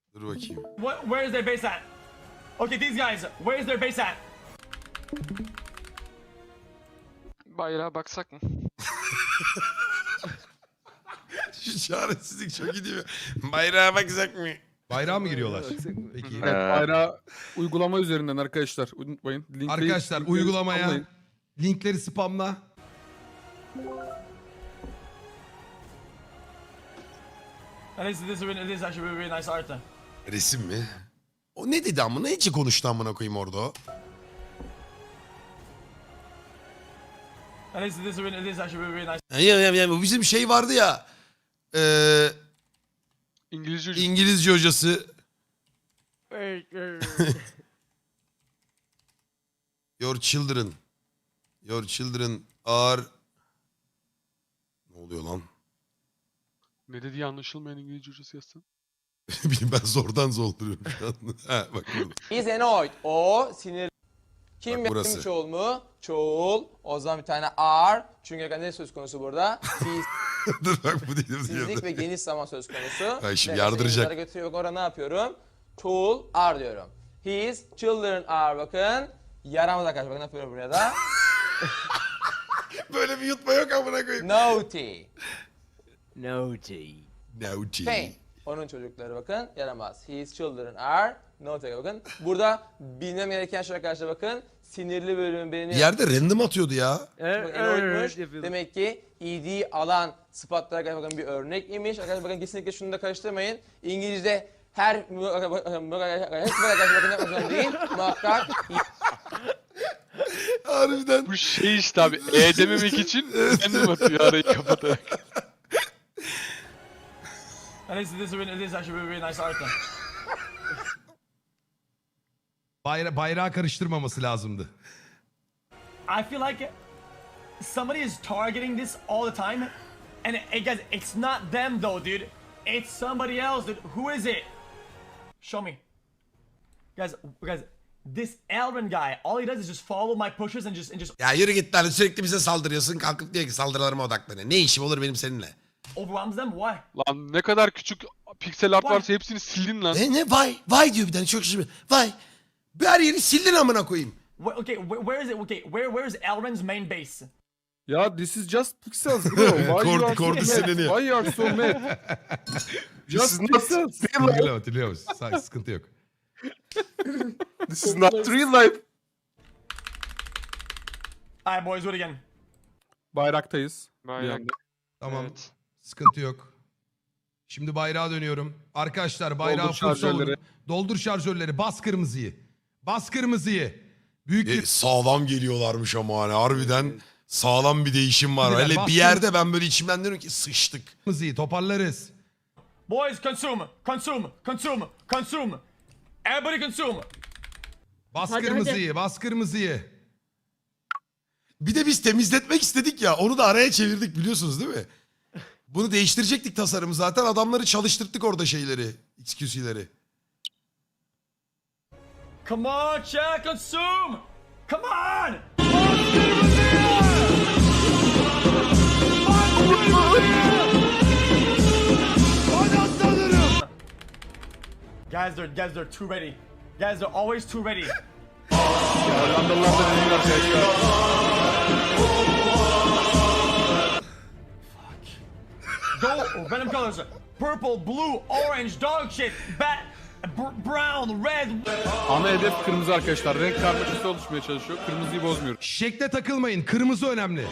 Dur bakayım. Where is their base at? Okay, these guys, where is their base at? Bayrağa baksak mı? Şu çaresizlik çok iyi değil mi? Bayrağa bakacak mı? Bayrağa mı giriyorlar? Peki. Evet, bayrağı uygulama üzerinden arkadaşlar. Unutmayın. Linkleri- Arkadaşlar linkleri uygulamaya spamlayın. linkleri spamla. And this is actually really, really nice art. Resim mi? O ne dedi amına? Hiç konuştu amına koyayım orada o. And this is actually really, really nice. Ya, bu bizim şey vardı ya. İngilizce İngilizce hocası. Your children. Your children are... Ne oluyor lan? ne dediği anlaşılmayan İngilizce hocası yazsan. Bilmiyorum, ben zordan zorduruyorum şu an. Ha, bak burada. Izenoid. O sinir. Kim Bak burası. benim çoğul mu? Çoğul. O zaman bir tane are. Çünkü ne söz konusu burada? Dur bak bu değil. Fizik ve geniş zaman söz konusu. Ay şimdi Ve yardıracak. İngilizlere götürüyor. Bak orada ne yapıyorum? Çoğul are diyorum. His children are, bakın. Yaramaz arkadaşlar, bakın ne yapıyorum buraya da. Böyle bir yutma yok amına koyayım. Naughty. Naughty. Naughty. Pain. Onun çocukları bakın yaramaz. His children are naughty, bakın. Burada bilmem gereken şey arkadaşlar, bakın. Sinirli bölümün Bir beni... yerde random atıyordu ya. Bakın Enoid'muş. Demek ki ed alan sıfatlar arkadaşlar, bakın bir örnek imiş. Arkadaşlar bakın kesinlikle şunu da karıştırmayın. İngilizce her arkadaşlar bakın yapmak zorunda değil. Muhakkak Harbiden. Bu şey işte abi. Dememek için kendim atıyor arayı kapatarak. And this is actually really, really nice art. Bayrağı karıştırmaması lazımdı. I feel like somebody is targeting this all the time, and guys, it's not them though, dude. It's somebody else, dude. Who is it? Show me, guys. This Elrin guy, all he does is just follow my pushes and just Ya yürü git lan, sürekli bize saldırıyorsun. Kalkıp diyor ki saldırılarıma odaklanıyor. Ne işim olur benim seninle? overwhelms them. Why? Lan ne kadar küçük piksel art varsa hepsini sildin lan. Ne vay diyor bir tane, çok şişme. Vay. Bir her yeri sildin amına koyayım. Okay, where is it? Okay, where is Elrin's main base? Ya this is just pixels bro. Why you are so Kordi mad? sinirleniyor. Why you are so mad? Just pixels. Hatırlıyor musun? Sıkıntı yok. This is not real life. Alright, boys, do it again. Bayraktayız. Bir Bayrak. anda. Tamam. Evet. Sıkıntı yok. Şimdi bayrağa dönüyorum. Arkadaşlar bayrağı Doldur full savunun. şarjörleri. Doldur şarjörleri. Bas kırmızıyı. Bas kırmızıyı. Büyük bir... Sağlam geliyorlarmış ama hani harbiden sağlam bir değişim var. Beyler, Hele bir bastım. yerde ben böyle içimden diyorum ki sıçtık. Kırmızıyı toparlarız. Boys, consume. Everybody consume. Bas kırmızıyı. Bas kırmızıyı. Bir de biz temizletmek istedik ya, onu da araya çevirdik biliyorsunuz değil mi? Bunu değiştirecektik tasarımı zaten, adamları çalıştırdık orada şeyleri, XQC'leri. Come on, chat, consume. Come on. Guys, they're too ready. Guys, they're always too ready. Hollandalılar da deneyin arkadaşlar. Go, random colors. Purple, blue, orange, dog shit, brown, red. Ana hedef kırmızı arkadaşlar. Renk karmaşası oluşmaya çalışıyor. Kırmızıyı bozmuyoruz. Şekle takılmayın. Kırmızı önemli.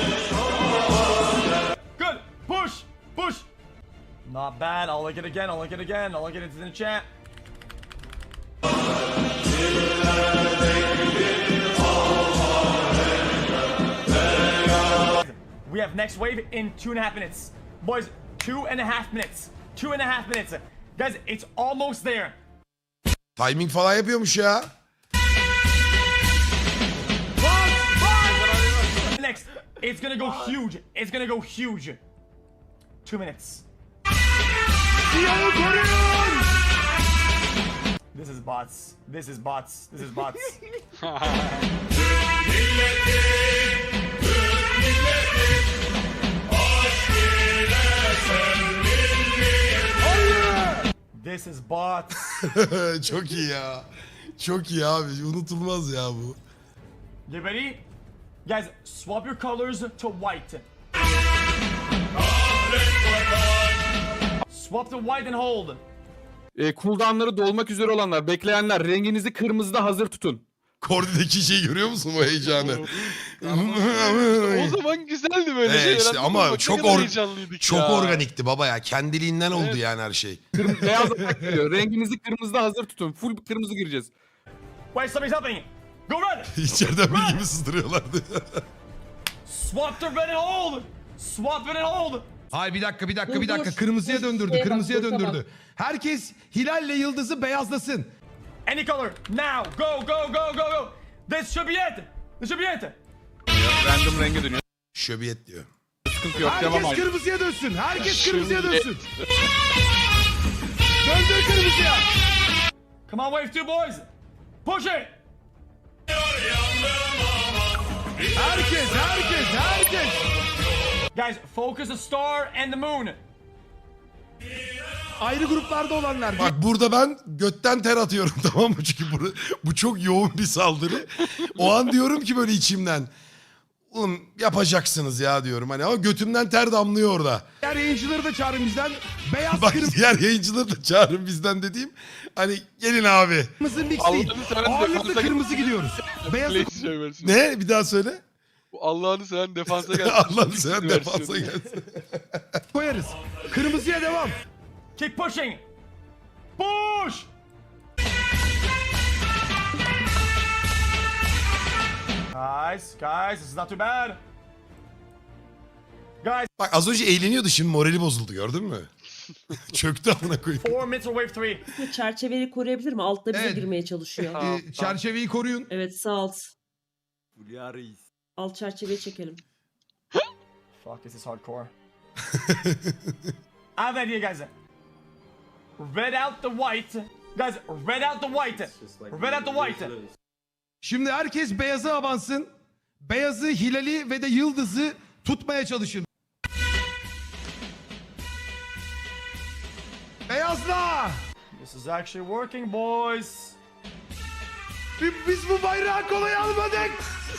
Good, push. Not bad, I'll look it again, I'll get it in the chat. We have next wave in 2.5 minutes. Boys, 2.5 minutes. 2.5 minutes. Guys, it's almost there. Timing falan yapıyormuş ya. Next, it's gonna go huge. 2 minutes. This is bots. This is bots. Çok iyi ya. Çok iyi abi. Unutulmaz ya bu. You ready? Guys, swap your colors to white. Swap to white and hold. Cooldown'ları dolmak üzere olanlar, bekleyenler renginizi kırmızıda hazır tutun. Kordi'deki şeyi görüyor musun bu heyecanı? O zaman güzeldi böyle Evet, şeyler. işte anladın ama mı? Bak ne çok kadar heyecanlıydık çok ya. organikti baba ya. Kendiliğinden oldu yani her şey. Beyaz atak geliyor. Renginizi kırmızıda hazır tutun. Full kırmızı gireceğiz. Wait, somebody's helping. Go red. İçeriden bir gibi sızdırıyorlardı. Swap to red and hold. Swap it and hold. Hayır bir dakika. Dur. Kırmızıya Dur, döndürdü. şeye bak, Kırmızıya dur, tamam. döndürdü. Herkes Hilal'le Yıldız'ı beyazlasın. Any color now. Go, go, go, go, go. This should be it. This should be it. Random renge dönüyor. Şöbiyet diyor. Sıkıntı yok. Devam Herkes abi. kırmızıya dönsün. Herkes kırmızıya Şimdi- dönsün. Döndür kırmızıya. Come on, wave two boys. Push it. Herkes. Guys, focus the star and the moon. Ayrı gruplarda olanlar. Bak burada ben götten ter atıyorum tamam mı? Çünkü bu çok yoğun bir saldırı. O an diyorum ki böyle içimden. Oğlum yapacaksınız ya diyorum hani ama götümden ter damlıyor orada. Diğer yayıncıları da çağırın bizden. Beyaz Bak diğer yayıncıları da çağırın bizden dediğim. Hani gelin abi. kırmızı mix değil. Allah'ını seven Ağırlıklı defansa kırmızı gidiyoruz. Beyaz Blaze şey versin. Ne? Bir daha söyle. Bu Allah'ını seven defansa gelsin. Allah'ını seven Versiyonu. defansa gelsin. koyarız. Kırmızıya devam. Keep pushing. Push. Guys, this is not too bad. Guys, Bak az önce eğleniyordu şimdi morali bozuldu gördün mü? Çöktü amına koyayım. 4 minutes for wave 3. Çerçeveyi koruyabilir mi? Altta bize Evet. girmeye çalışıyor. Çerçeveyi koruyun. Evet sağ alt. Alt çerçeveyi çekelim. Fuck, this is hardcore. I have an idea, guys. Red out the white. Guys, red out the white. Red out the white. Şimdi herkes beyaza avansın. Beyazı, Hilal'i ve de Yıldız'ı tutmaya çalışın. Beyazla! This is actually working, boys. Biz bu bayrağı kolay almadık.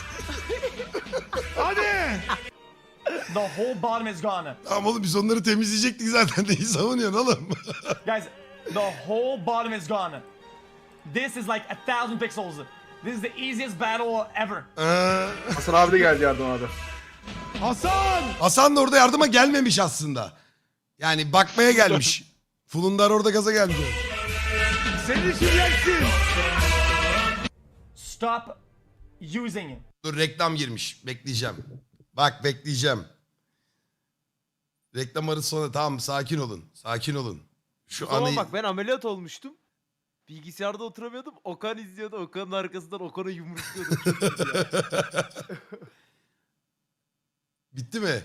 Hadi. The whole bottom is gone. Tamam oğlum biz onları temizleyecektik zaten. Neyi savunuyorsun oğlum? Guys, the whole bottom is gone. This is like 1,000 pixels. This is the easiest battle ever. Hasan abi de geldi yardım abi. Hasan! Hasan da orada yardıma gelmemiş aslında. Yani bakmaya gelmiş. Fulundar orada gaza geldi. Seni şimdiyensin. Stop using it. Dur reklam girmiş. Bekleyeceğim. Bak bekleyeceğim. Reklam arası sonra tamam sakin olun. Sakin olun. Şu Ama anı... bak ben ameliyat olmuştum. Bilgisayarda oturamıyordum. Okan izliyordu. Okan'ın arkasından Okan'ı yumrukluyordum. Çok iyiydi ya. Bitti mi?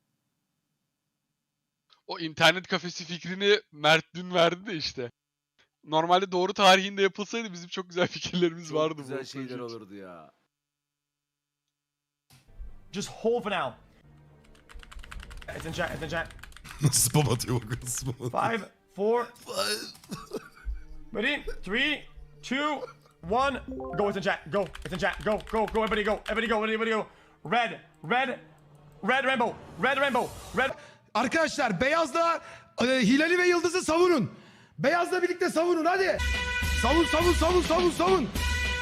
O internet kafesi fikrini Mert dün verdi de işte. Normalde doğru tarihinde yapılsaydı bizim çok güzel fikirlerimiz vardı. Çok güzel bu şeyler proje için. olurdu ya. Just hold for now. It's in chat, it's in chat. Nasıl spam atıyor bak. Nasıl spam atıyor. 5, 4. Ready? 3, 2, 1. Go, it's in chat. Go, it's in chat. Go, go, go, everybody go. Everybody go, everybody go. Red, red, red rainbow. Red rainbow. Red. Arkadaşlar beyazla Hilal'i ve Yıldız'ı savunun. Beyazla birlikte savunun hadi. Savun.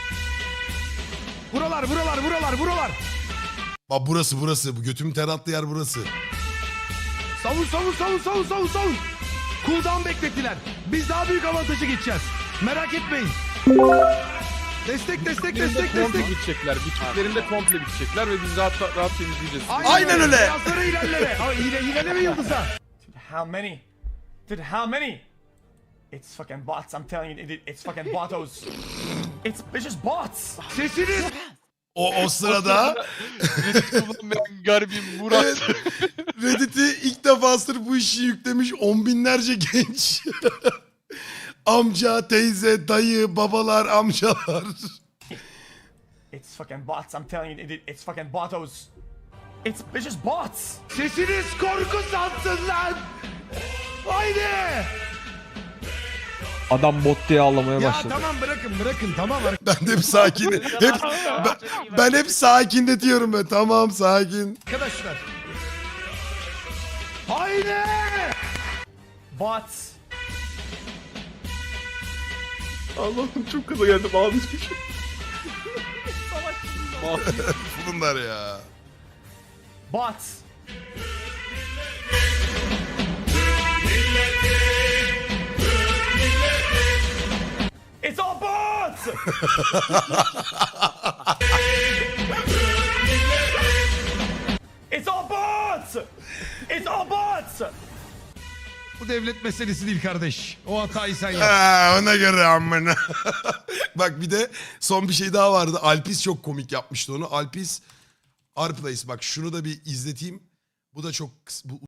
Buralar. Bak burası. Bu götümün ter attığı yer burası. Savun. Cooldown beklettiler. Biz daha büyük avantajı geçeceğiz. Merak etmeyin. Destek. Komple bitecekler. Bittiklerinde komple bitecekler ve biz rahat temizleyeceğiz. Aynen öyle. Beyazlara Hilal'e ve Yıldız'a. Dude, how many? It's fucking bots, I'm telling you, it's fucking botos. It's just bots. Sesiniz. O sırada Kullanmayan garibim Murat. Evet. Reddit'i ilk defa sırf bu işi yüklemiş 10 binlerce genç. Amca, teyze, dayı, babalar, amcalar. It's fucking bots, I'm telling you, it's fucking botos. It's just bots. Sesiniz korku sansın lan. Haydi. Adam bot diye ağlamaya Ya başladı. tamam bırakın tamam. Ben de hep sakin. Ben hep sakinletiyorum ben. Tamam sakin. Arkadaşlar. Haydi. Bots. Allah'ım çok kaza geldim ağlayacağım. Bunlar ya. Bots. It's all bots! It's all bots! It's all bots! Bu devlet meselesi değil kardeş. O hatayı sen yap. Ha, ona göre amına. Bak bir de son bir şey daha vardı. Alpis çok komik yapmıştı onu. Alpis Arplace bak şunu da bir izleteyim. Bu da çok bu